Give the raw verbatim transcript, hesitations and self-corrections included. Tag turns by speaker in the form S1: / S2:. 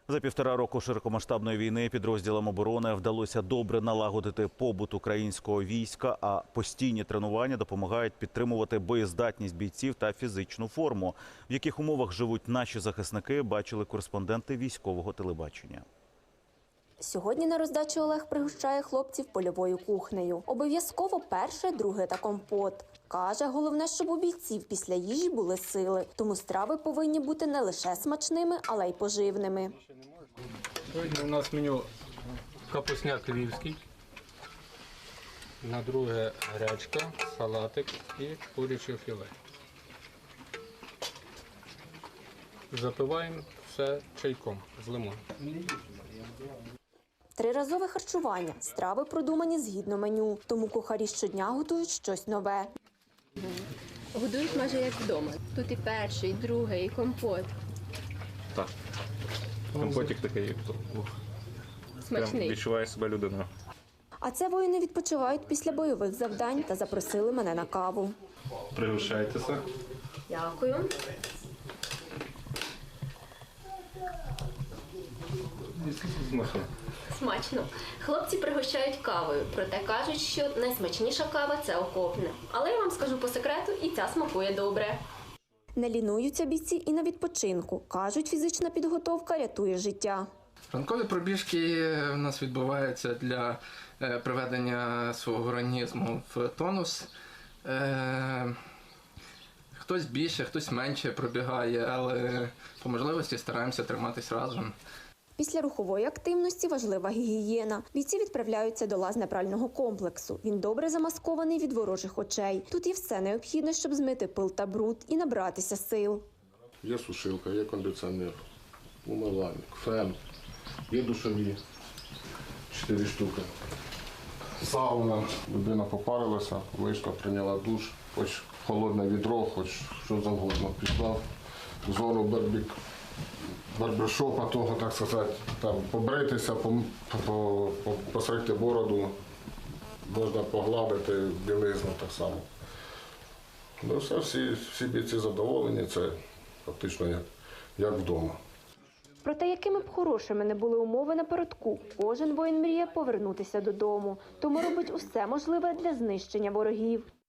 S1: За півтора року широкомасштабної війни підрозділам оборони вдалося добре налагодити побут українського війська, а постійні тренування допомагають підтримувати боєздатність бійців та фізичну форму. В яких умовах живуть наші захисники, бачили кореспонденти військового телебачення.
S2: Сьогодні на роздачу Олег пригощає хлопців польовою кухнею. Обов'язково перше, друге та компот. Каже, головне, щоб у бійців після їжі були сили. Тому страви повинні бути не лише смачними, але й поживними.
S3: Сьогодні у нас меню капусняк львівський, на друге гречка, салатик і куряче філе. Запиваємо все чайком з лимоном.
S2: Триразове харчування. Страви продумані згідно меню. Тому кухарі щодня готують щось нове.
S4: Годують майже як вдома. Тут і перший, і другий, і компот.
S5: Так. Компотик такий, як то.
S4: Смачний.
S5: Відчуває себе людиною.
S2: А це воїни відпочивають після бойових завдань та запросили мене на каву.
S5: Пригощайтеся.
S4: Дякую.
S5: Смачно.
S4: Смачно. Хлопці пригощають кавою, проте кажуть, що найсмачніша кава – це окопна. Але я вам скажу по секрету, і ця смакує добре.
S2: Не лінуються бійці і на відпочинку. Кажуть, фізична підготовка рятує життя.
S6: Ранкові пробіжки у нас відбуваються для приведення свого організму в тонус. Хтось більше, хтось менше пробігає, але по можливості стараємося триматись разом.
S2: Після рухової активності важлива гігієна. Бійці відправляються до лазнепрального комплексу. Він добре замаскований від ворожих очей. Тут є все необхідне, щоб змити пил та бруд і набратися сил.
S7: Є сушилка, є кондиціонер, умивальник, фен, є душові, чотири штуки. Сауна, людина попарилася, вийшла, прийняла душ, хоч холодне відро, хоч що завгодно. Пішла в зону барбік. барбершопа, того, так сказати, там побритися, посрити бороду, можна погладити білизну так само. Ну все, всі, всі бійці задоволені, це фактично як, як вдома.
S2: Проте, якими б хорошими не були умови на передку, кожен воїн мріє повернутися додому. Тому робить усе можливе для знищення ворогів.